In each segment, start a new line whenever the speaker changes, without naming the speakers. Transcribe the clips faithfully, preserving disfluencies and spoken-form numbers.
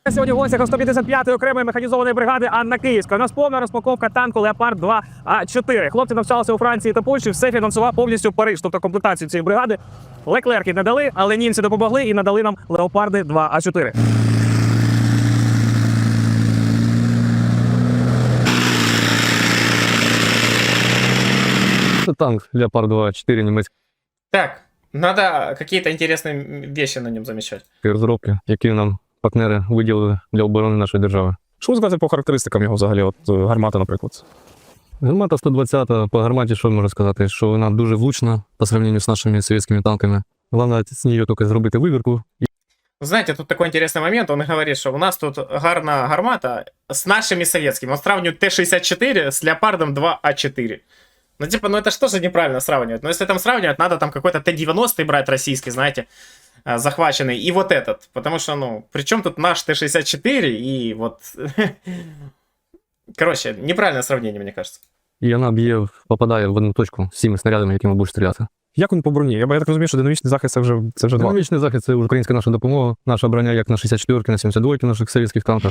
Сьогодні в гостях сто п'ятдесят п'ятої окремої механізованої бригади Анна Київська. У нас повна розпаковка танку Леопард два А чотири. Хлопці навчалися у Франції та Польщі, все фінансував повністю Париж, тобто комплектацію цієї бригади. Леклерки не дали, але німці допомогли і надали нам Леопарди два А чотири.
Это танк Леопард два А чотири немецький
Так, надо какие-то интересные вещи на нем замечать.
розробки, які нам партнери виділили для оборони нашої держави.
Що сказати по характеристикам його взагалі? От гармата, наприклад.
Гармата сто двадцята, по гарматі що можна сказати, що вона дуже влучна по сравнению з нашими совєтськими танками. Головне з нею тільки зробити вибірку.
Знаете, тут такой интересный момент, он говорит, что у нас тут гарна гармата с нашими советскими. Он сравнивает Т шестьдесят четыре с Леопардом два А четыре. Ну типа, ну это что же неправильно сравнивать? Но если там сравнивать, надо там какой-то Т девяносто брать российский, знаете, захваченный, и вот этот. Потому что, ну, причем тут наш Т шестьдесят четыре и вот... Короче, неправильное сравнение, мне кажется.
І вона б'є, попадає в одну точку з цими снарядами, якими будеш стріляти.
Як він по броні? Я, я так розумію, що динамічний захист це вже, це вже два.
Динамічний захист – це українська наша допомога. Наша броня як на шістдесят четвірки, на сімдесят двойки наших совєтських танках.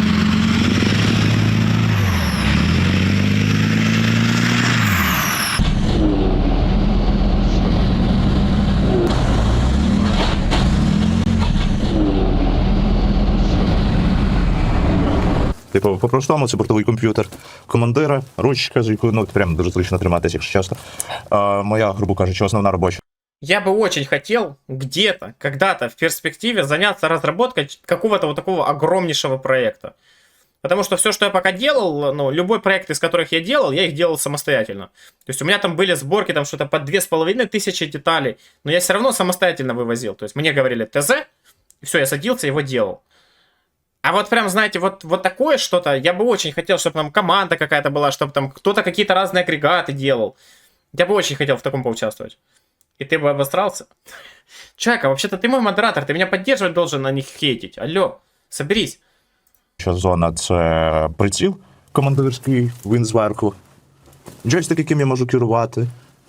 Типу, по-простому, це бортовий комп'ютер командира, ручка, з якою, ну, прям дуже зручно триматися, якщо чесно. А, моя, грубо кажучи, основна робоча.
Я бы очень хотел где-то, когда-то в перспективе заняться разработкой какого-то вот такого огромнейшего проекта. Потому что все, что я пока делал, ну, любой проект, из которых я делал, я их делал самостоятельно. То есть у меня там были сборки, там что-то по две с половиной тысячи деталей, но я все равно самостоятельно вывозил. То есть мне говорили ТЗ, и все, я садился, его делал. А вот прям, знаете, вот, вот такое что-то, я бы очень хотел, чтобы там команда какая-то была, чтобы там кто-то какие-то разные агрегаты делал. Я бы очень хотел в таком поучаствовать. И ты бы обосрался? Чайка, вообще-то ты мой модератор, ты меня поддерживать должен, а не хейтить. Алло, соберись.
Що зона – це приціл командирський, він зверху. Джойстик, яким я можу керувати.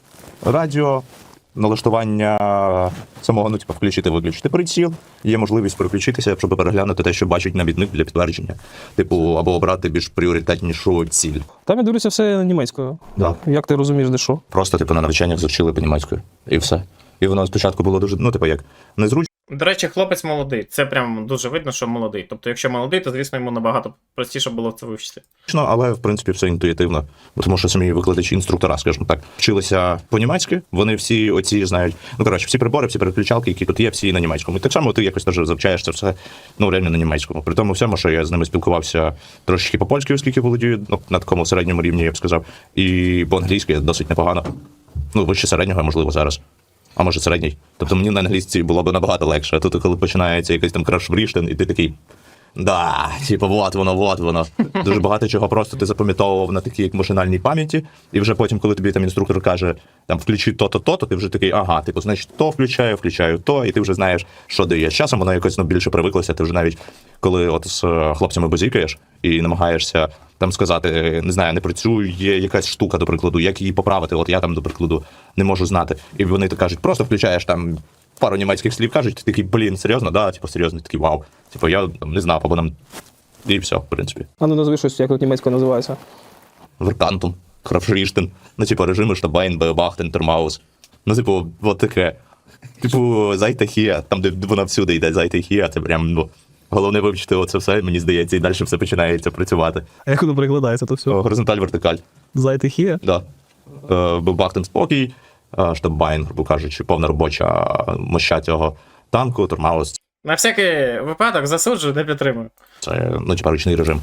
Радіо, налаштування самого, ну, типу, включити-виключити приціл. Є можливість переключитися, щоб переглянути те, що бачить навідник для підтвердження. Типу, або обрати більш пріоритетнішу ціль.
Там я дивлюся все німецькою.
Да.
Як ти розумієш, де що?
Просто, типу, на навчаннях завчили по-німецькою. І все. І воно спочатку було дуже, ну, типу, як, незручно.
До речі, хлопець молодий. Це прям дуже видно, що молодий. Тобто, якщо молодий, то, звісно, йому набагато простіше було це вивчити.
Але, в принципі, все інтуїтивно. Тому що самі викладачі, інструктора, скажімо так, вчилися по-німецьки. Вони всі оці знають, ну, коротше, всі прибори, всі переключалки, які тут є, всі на німецькому. І так само ти якось теж завчаєш це все, ну, реально на німецькому. При тому всьому, що я з ними спілкувався трошечки по-польськи, оскільки володію, ну, на такому середньому рівні, я б сказав. І по-англійськи досить непогано. Ну, вище середнього, можливо, зараз. А може середній. Тобто мені на англійській було б набагато легше. А тут, коли починається якийсь там краш-бріштен, і ти такий, да, типу, вот воно, вот воно. Дуже багато чого просто ти запам'ятовував на такій як машинальній пам'яті, і вже потім, коли тобі там інструктор каже, там, включи то-то, то-то, ти вже такий, ага, типу, значить, то включаю, включаю то, і ти вже знаєш, що дає. З часом воно якось, ну, більше привиклося, ти вже навіть, коли от з хлопцями базікаєш і намагаєшся там сказати, не знаю, не працює якась штука, до прикладу, як її поправити, от я там, до прикладу, не можу знати. І вони так кажуть, просто включаєш там пару німецьких слів, кажуть, ти такий, блін, серйозно, да, типу, серйозно, такий, вау. Типу, я там, не знав, або нам, і все, в принципі.
А ну назви щось, як тут німецькою називається.
Веркантум, Крафшріштен, ну, типу, режими Штабайн, Беобахтен, Термаус. Ну, типу, от таке. Типу, зайте хія, там, де вона всюди йде, зайте хія, це прям, ну, головне вивчити оце все, мені здається, і далі все починається працювати.
А як воно перекладається, то все?
Горизонталь-вертикаль.
Зайтихія?
Да. Беобахтен спокій, Штабайн, грубо кажучи, повна робоча моща цього танку, Термаус.
На всякий випадок засуджую, не підтримую.
Це, ну, типа, ручний режим.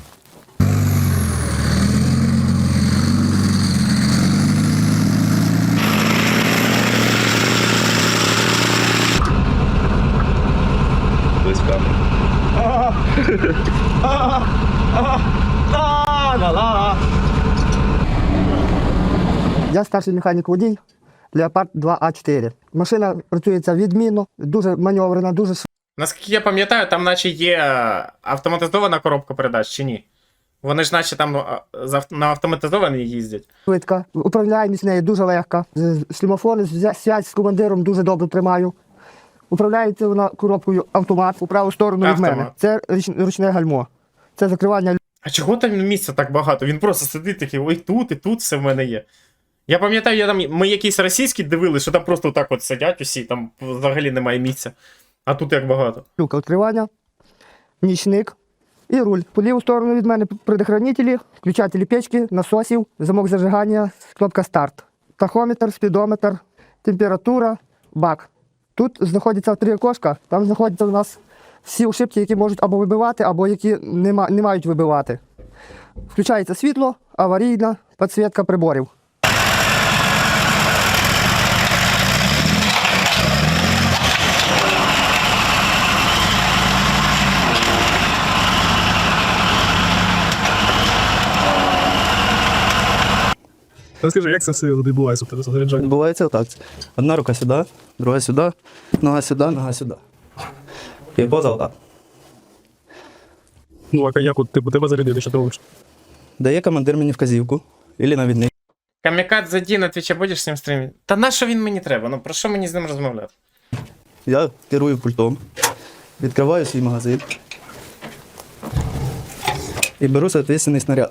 Я старший механік-водій Леопард два А чотири. Машина працюється відмінно, дуже маневрена, дуже
Наскільки я пам'ятаю, там наче є автоматизована коробка передач, чи ні? Вони ж наче там на автоматизованій їздять.
швидка. Управляємість нею дуже легка. Шлемофон, зв'язь з командиром дуже добре тримаю. Управляється вона коробкою автомат у праву сторону від
Автомат.
мене. Це річ- ручне гальмо. Це закривання.
А чого там місця так багато? Він просто сидить такий, ой, тут і тут все в мене є. Я пам'ятаю, я там, ми якісь російські дивилися, що там просто так от сидять усі, там взагалі немає місця. А тут як багато.
Люка відкривання, нічник і руль. По ліву сторону від мене предохранителі, включателі печки, насосів, замок зажигання, кнопка старт. Тахометр, спідометр, температура, бак. Тут знаходяться три окошка, там знаходяться у нас всі ошибки, які можуть або вибивати, або які не, ма- не мають вибивати. Включається світло, аварійна, підсвітка приборів.
Розкажи, як це все відбувається в тебе заряджання?
Відбувається отак. Одна рука сюди, друга сюди, нога сюди, нога сюди. І поза отак.
Ну, а як от типу, тебе зарядили, що ти робиш?
Дає командир мені вказівку, або навідник.
Камікадзе Ді на Твічі будеш з ним стрімити? Та на що він мені треба? Ну про що мені з ним розмовляти?
Я керую пультом, відкриваю свій магазин і беру соответственний снаряд.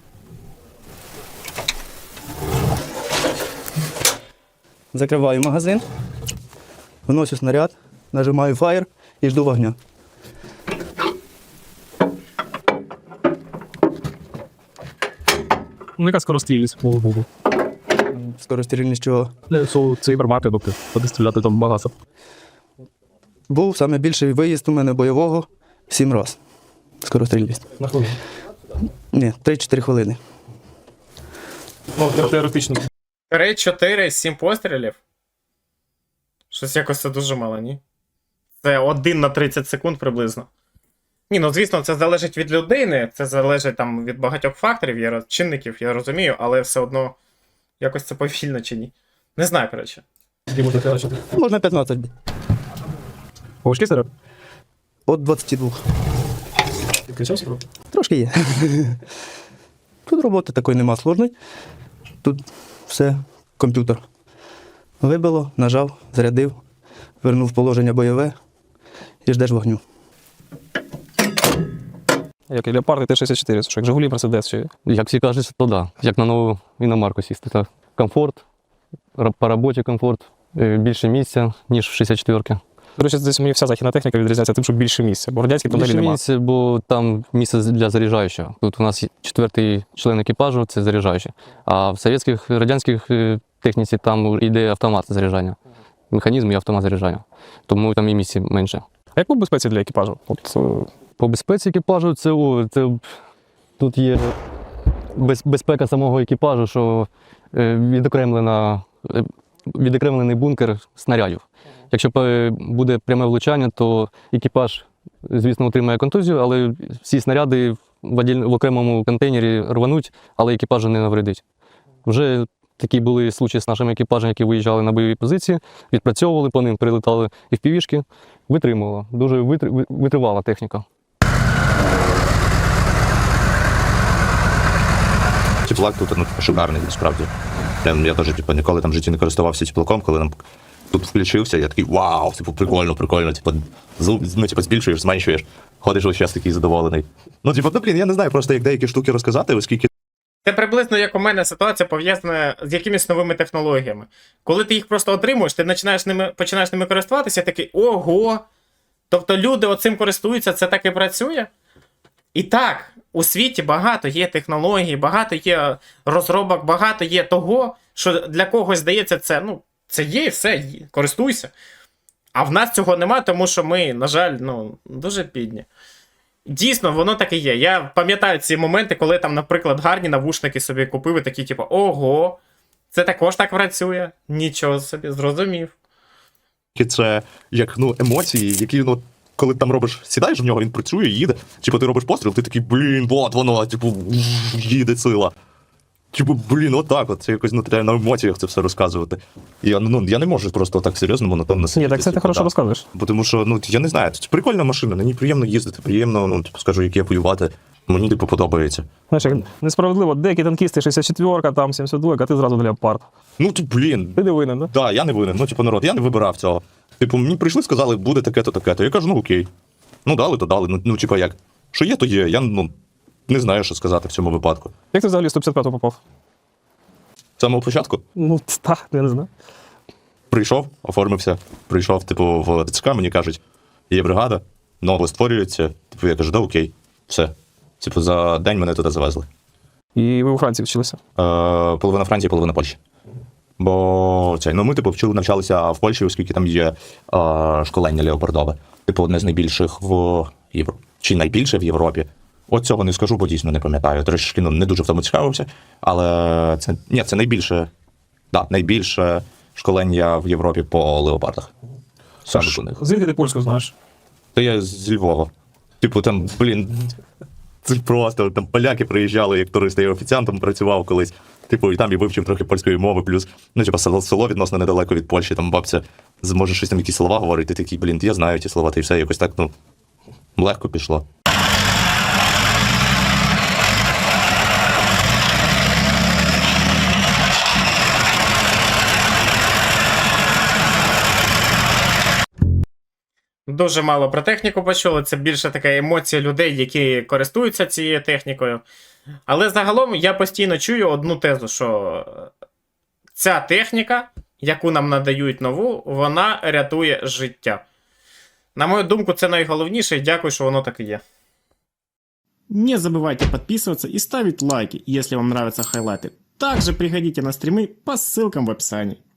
Закриваю магазин, вношу снаряд, нажимаю фаєр і жду вогня.
Ну, яка скорострільність по Богу?
Скорострільність чого?
Цей гармати, доки туди стріляти там багато.
Був саме більший виїзд у мене бойового сім разів. Скорострільність.
На хвилину.
Ні, три-чотири хвилини.
Ну, теоретично.
три, чотири, сім пострілів? Щось якось це дуже мало, ні? Це один на тридцять секунд приблизно. Ні, ну звісно, це залежить від людини, це залежить там від багатьох факторів, є роз- чинників, я розумію, але все одно якось це повільно чи ні. Не знаю, коротше.
Можна п'ятнадцять.
Важкий серед?
От двадцять два.
Ти кричався?
Трошки є. Тут роботи такої нема сложної. Тут все, комп'ютер. Вибило, нажав, зарядив, вернув положення бойове і ждеш вогню.
Як і Леопард і Т шістдесят чотири, це що, як Жигулі, Мерседес чи...
Як всі кажуть, то да. Як на нову іномарку сісти. Так. Комфорт, ра- по роботі комфорт, е, більше місця, ніж в шістдесят четвірки.
До речі, десь мені вся західна техніка відрізняється тим, що більше місця, бо радянські тунелі
Більше
немає.
місця, бо там місце для заряджаючого. Тут у нас є четвертий член екіпажу, це заряджаючий. А в совєтських, радянських е, техніці там йде автомат заряджання. Механізм і автомат заряджання. Тому там і місця менше.
А як по безпеці для екіпажу? От, е,
По безпеці екіпажу це, о, це тут є без, безпека самого екіпажу, що е, відокремлена, е, відокремлений бункер снарядів. Якщо е, буде пряме влучання, то екіпаж, звісно, отримає контузію, але всі снаряди в, оділь- в окремому контейнері рвануть, але екіпажу не навредить. Вже такі були случаї з нашими екіпажами, які виїжджали на бойові позиції, відпрацьовували по ним, прилетали і в півішки, витримувала. Дуже витр- витривала техніка.
Теплак тут ну, шикарний, насправді. Я, я теж типу, ніколи там в житті не користувався теплаком, коли нам тут включився, я такий вау, типу, прикольно, прикольно, типу, зум, ну, типу, збільшуєш, зменшуєш, ходиш ось час такий задоволений. Ну, типу, ну, блін, я не знаю просто, як деякі штуки розказати, оскільки
Це приблизно як у мене ситуація пов'язана з якимись новими технологіями. Коли ти їх просто отримуєш, ти починаєш ними, починаєш ними користуватися, такий ого. Тобто люди оцим користуються, це так і працює. І так, у світі багато є технологій, багато є розробок, багато є того, що для когось здається, це, ну, це є і все, є, користуйся. А в нас цього нема, тому що ми, на жаль, ну, дуже бідні. Дійсно, воно так і є. Я пам'ятаю ці моменти, коли там, наприклад, гарні навушники собі купив і такі, типу, ого, це також так працює. Нічого собі, зрозумів.
це як ну, емоції, які, ну, коли там робиш, сідаєш в нього, він працює, їде. Типу, ти робиш постріл, ти такий, блін, от воно, типу, їде сила. Типу, блін, отак от. Це якось ну, треба на емоціях це все розказувати. Я, ну, я не можу просто так серйозно монотонно сидіти.
Ні, так це ти
типу,
хорошо
да.
розказуєш.
Бо тому що, ну, я не знаю, це прикольна машина, на ній приємно їздити, приємно, ну, типу, скажу, як я воювати. Мені, типу, подобається.
Знаєш, як несправедливо, деякі танкісти шістдесят четвірка, там сімдесят два, а ти зразу Леопард.
Ну, то, блін,
Ти не винен, да?
да, я не винен. Ну, типу, народ, я не вибирав цього. Типу, мені прийшли, сказали, буде таке-то, таке-то. Я кажу, ну окей. Ну дали, то дали. Ну, ну типа як. Що є, то є. Я ну, не знаю, що сказати в цьому випадку.
Як ти взагалі в сто п'ятдесят п'яту попав?
З самого початку
Ну, так, я не знаю.
прийшов, оформився, прийшов, типу, в ТЦК, мені кажуть, є бригада, ново створюється. Типу, я кажу, да окей, все. Типу, за день мене туди завезли.
І ви у Франції вчилися?
Е, половина Франції, половина Польщі. Бо це, ну, ми, типу, вчили, навчалися в Польщі, оскільки там є е, школення леопардове. Типу, одне з найбільших в Європі. Чи найбільше в Європі. От цього не скажу, бо дійсно не пам'ятаю. Трішки ну, не дуже в тому цікавився. Але це, ні, це найбільше, да, найбільше школення в Європі по леопардах. Саме у них.
Звідки ти польську знаєш?
Та я з Львова. Типу, там, блін, це просто там поляки приїжджали як туристи, я офіціантом працював колись. Типу, і там і вивчив трохи польської мови, плюс, ну, типу, село, село відносно недалеко від Польщі, там бабця зможе щось там якісь слова говорити, ти такий, блін, я знаю ті слова, та і все, якось так, ну, легко пішло.
Дуже мало про техніку почули, це більше така емоція людей, які користуються цією технікою. Але загалом я постійно чую одну тезу, що ця техніка, яку нам надають нову, вона рятує життя. На мою думку, це найголовніше, і дякую, що воно так і є.
Не забывайте подписываться и ставить лайки, если вам нравятся хайлайты. Также приходите на стримы по ссылкам в описании.